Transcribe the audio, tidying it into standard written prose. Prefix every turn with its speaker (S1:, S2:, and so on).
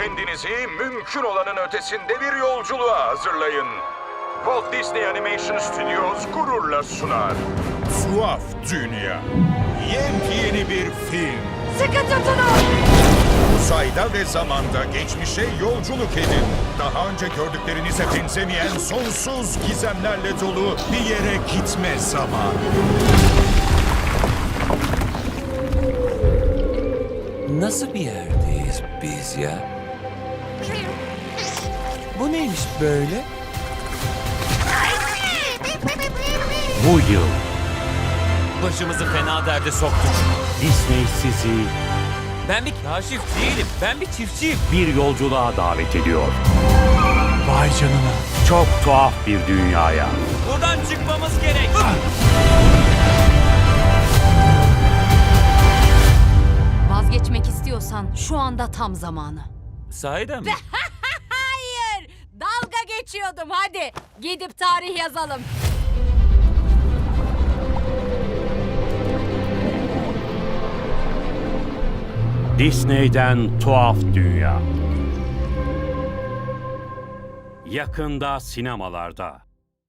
S1: Kendinizi mümkün olanın ötesinde bir yolculuğa hazırlayın. Walt Disney Animation Studios gururla sunar.
S2: Tuhaf Dünya. Yepyeni bir film.
S3: Sıkı tutunun!
S2: Uzayda ve zamanda geçmişe yolculuk edin. Daha önce gördüklerinize benzemeyen sonsuz gizemlerle dolu bir yere gitme zamanı.
S4: Nasıl bir yerdeyiz biz ya? Bu neymiş böyle?
S5: Bu yıl
S4: Başımızı fena derde soktuk.
S5: Disney sizi
S4: Ben bir kaşif değilim. Ben bir çiftçiyim.
S5: bir yolculuğa davet ediyor.
S4: Vay canına.
S5: Çok tuhaf bir dünyaya.
S4: Buradan çıkmamız gerek.
S3: Vazgeçmek istiyorsan şu anda tam zamanı.
S4: Sahiden mi?
S3: Hayır! Dalga geçiyordum hadi. Gidip tarih yazalım.
S5: Disney'den Tuhaf Dünya. Yakında sinemalarda.